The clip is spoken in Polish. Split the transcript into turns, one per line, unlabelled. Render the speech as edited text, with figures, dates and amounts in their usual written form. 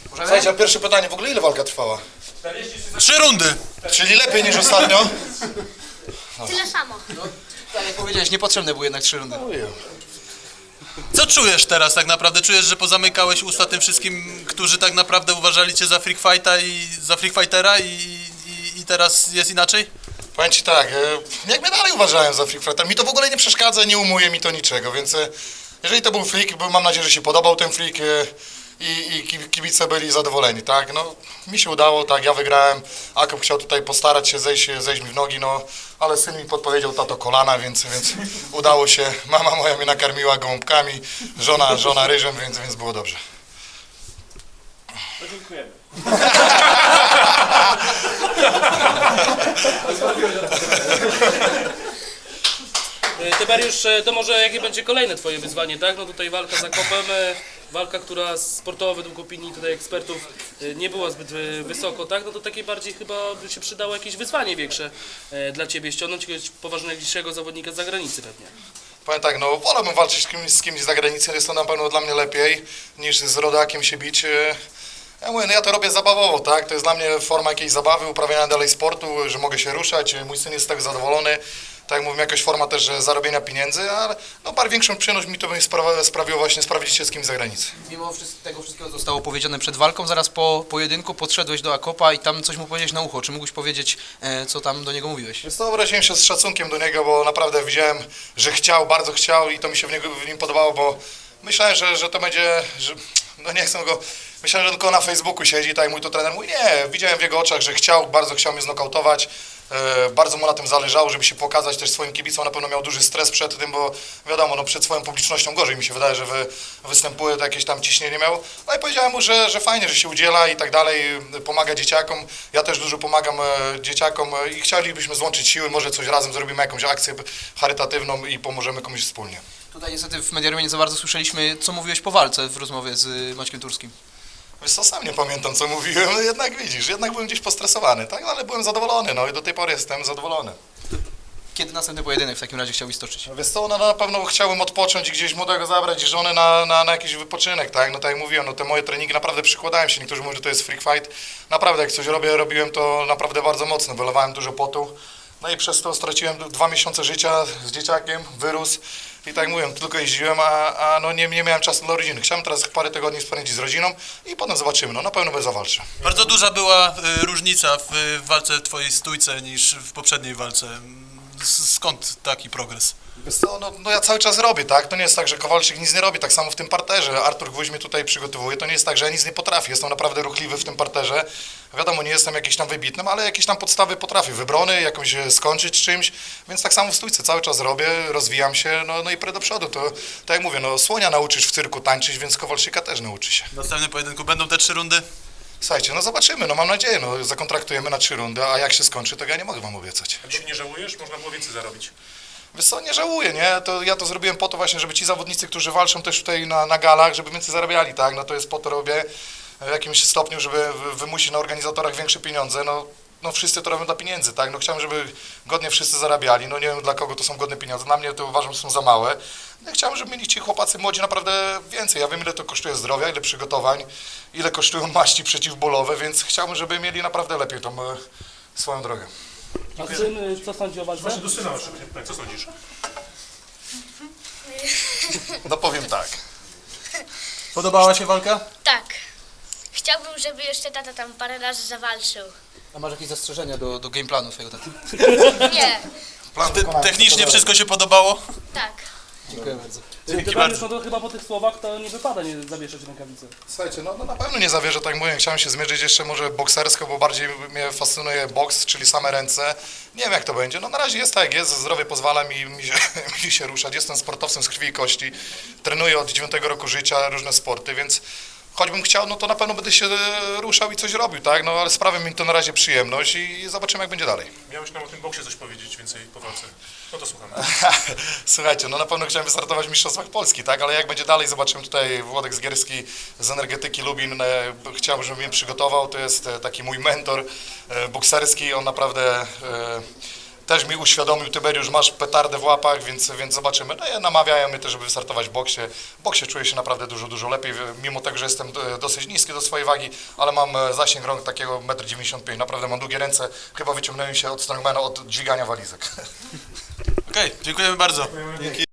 Słuchajcie, a pierwsze pytanie, w ogóle ile walka trwała?
3 rundy.
Czyli lepiej niż ostatnio?
Tyle samo.
Tak jak powiedziałeś, niepotrzebne były jednak 3 rundy.
Co czujesz teraz tak naprawdę? Czujesz, że pozamykałeś usta tym wszystkim, którzy tak naprawdę uważali cię za freak fighta i za freak fightera i teraz jest inaczej?
Powiem ci tak, jak mnie dalej uważałem za freak fighter, mi to w ogóle nie przeszkadza, nie umuje mi to niczego, więc jeżeli to był freak, bo mam nadzieję, że się podobał ten freak i kibice byli zadowoleni, tak, no mi się udało, tak, ja wygrałem, Akop chciał tutaj postarać się zejść mi w nogi, no, ale syn mi podpowiedział tato kolana, więc udało się, mama moja mnie nakarmiła gołąbkami, żona ryżem, więc było dobrze.
No dziękujemy.
Tyberiusz, to może jakie będzie kolejne twoje wyzwanie, tak? No tutaj walka z Akopem, walka, która sportowo według opinii tutaj ekspertów nie była zbyt wysoko, tak? No to takie bardziej chyba by się przydało jakieś wyzwanie większe dla ciebie, ściągnąć jakiegoś poważniejszego zawodnika z zagranicy pewnie.
Powiem tak, no wolałbym walczyć z kimś z zagranicy, jest to na pewno dla mnie lepiej niż z rodakiem się bić. Ja mówię, no ja to robię zabawowo, tak? To jest dla mnie forma jakiejś zabawy, uprawiania dalej sportu, że mogę się ruszać, mój syn jest z tego zadowolony. Tak jak mówię, jakaś forma też zarobienia pieniędzy, ale no bardzo większą przyjemność mi to sprawiło właśnie sprawdzić się z kimś z zagranicy.
Mimo tego wszystkiego zostało powiedziane przed walką, zaraz po pojedynku podszedłeś do Akopa i tam coś mu powiedzieć na ucho. Czy mógłbyś powiedzieć, co tam do niego mówiłeś?
Więc to wyraziłem się z szacunkiem do niego, bo naprawdę widziałem, że chciał, bardzo chciał i to mi się w nim podobało, bo myślałem, że to będzie, że, no nie chcę go, myślałem, że tylko na Facebooku siedzi, tak jak mój to trener mówi, nie, widziałem w jego oczach, że chciał, bardzo chciał mnie znokautować. Bardzo mu na tym zależało, żeby się pokazać też swoim kibicom, na pewno miał duży stres przed tym, bo wiadomo, no przed swoją publicznością gorzej mi się wydaje, że występuje, to jakieś tam ciśnienie miał. No i powiedziałem mu, że fajnie, że się udziela i tak dalej, pomaga dzieciakom, ja też dużo pomagam dzieciakom i chcielibyśmy złączyć siły, może coś razem zrobimy, jakąś akcję charytatywną i pomożemy komuś wspólnie.
Tutaj niestety w Mediarumie nie za bardzo słyszeliśmy, co mówiłeś po walce w rozmowie z Maćkiem Turskim.
Wiesz co, sam nie pamiętam, co mówiłem, no jednak widzisz, jednak byłem gdzieś postresowany, tak, no, ale byłem zadowolony, no i do tej pory jestem zadowolony.
Kiedy następny pojedynek w takim razie chciałbyś stoczyć?
Wiesz co, no na pewno chciałbym odpocząć i gdzieś młodego zabrać i żonę na jakiś wypoczynek, tak, no tak jak mówiłem, no te moje treningi naprawdę przykładałem się, niektórzy mówią, że to jest freak fight, naprawdę jak coś robiłem to naprawdę bardzo mocno, wylewałem dużo potu, no i przez to straciłem 2 miesiące życia z dzieciakiem, wyrósł i tak jak mówiłem, tylko jeździłem, a no nie miałem czasu dla rodziny. Chciałem teraz parę tygodni spędzić z rodziną i potem zobaczymy, no na pewno będę zawalczył.
Bardzo duża była różnica w walce twojej stójce niż w poprzedniej walce. Skąd taki progres?
Wiesz co, no ja cały czas robię, tak? To nie jest tak, że Kowalczyk nic nie robi, tak samo w tym parterze. Artur Gwóźdź mnie tutaj przygotowuje, to nie jest tak, że ja nic nie potrafię, jestem naprawdę ruchliwy w tym parterze. Wiadomo, nie jestem jakiś tam wybitnym, ale jakieś tam podstawy potrafię, wybrony, jakąś skończyć czymś, więc tak samo w stójce cały czas robię, rozwijam się, no i do przodu. To tak jak mówię, no słonia nauczysz w cyrku tańczyć, więc Kowalczyka też nauczy się.
W następnym pojedynku będą te 3 rundy?
Słuchajcie, no zobaczymy, no mam nadzieję, no zakontraktujemy na 3 rundy, a jak się skończy, to ja nie mogę wam obiecać.
A dzisiaj nie żałujesz? Można było więcej zarobić.
Wiesz co, nie żałuję, nie? Ja to zrobiłem po to właśnie, żeby ci zawodnicy, którzy walczą też tutaj na galach, żeby więcej zarabiali, tak? No to jest po to robię w jakimś stopniu, żeby wymusić na organizatorach większe pieniądze, no wszyscy to robią dla pieniędzy, tak? No chciałem, żeby godnie wszyscy zarabiali, no nie wiem dla kogo to są godne pieniądze, dla mnie to uważam, że są za małe. No chciałem, żeby mieli ci chłopacy młodzi naprawdę więcej, ja wiem ile to kosztuje zdrowia, ile przygotowań, ile kosztują maści przeciwbólowe, więc chciałbym, żeby mieli naprawdę lepiej tą swoją drogę.
A syn, co sądzi o walce?
Właśnie do syna masz. Tak, co sądzisz?
No powiem tak.
Podobała się walka?
Tak. Chciałbym, żeby jeszcze tata tam parę razy zawalczył.
A masz jakieś zastrzeżenia do game planu twojego taty?
Nie,
Technicznie wszystko się podobało?
tak.
Dziękuję bardzo.
Tyberiusz, no to chyba po tych słowach to nie wypada nie zawieszać rękawicy.
Słuchajcie, no na pewno nie zawierzę, tak jak mówiłem, chciałem się zmierzyć jeszcze może boksersko, bo bardziej mnie fascynuje boks, czyli same ręce. Nie wiem jak to będzie, no na razie jest tak jak jest, zdrowie pozwala mi się ruszać, jestem sportowcem z krwi i kości, trenuję od 9 roku życia różne sporty, więc choćbym chciał, no to na pewno będę się ruszał i coś robił, tak, no ale sprawia mi to na razie przyjemność i zobaczymy jak będzie dalej.
Miałeś nam o tym boksie coś powiedzieć więcej po walce. No to słucham.
Słuchajcie, no na pewno chciałem wystartować w Mistrzostwach Polski, tak, ale jak będzie dalej, zobaczymy tutaj Włodek Zgierski z Energetyki Lubin, chciałbym, żeby mnie przygotował, to jest taki mój mentor bokserski, on naprawdę też mi uświadomił Tyberiusz, masz petardę w łapach, więc zobaczymy. No i namawiają mnie też, żeby wystartować w boksie. W boksie czuję się naprawdę dużo lepiej, mimo tego, że jestem dosyć niski do swojej wagi, ale mam zasięg rąk takiego 1,95 m, naprawdę mam długie ręce, chyba wyciągnąłem się od strongmana, od dźwigania walizek.
Okej, dziękujemy bardzo. Dzięki.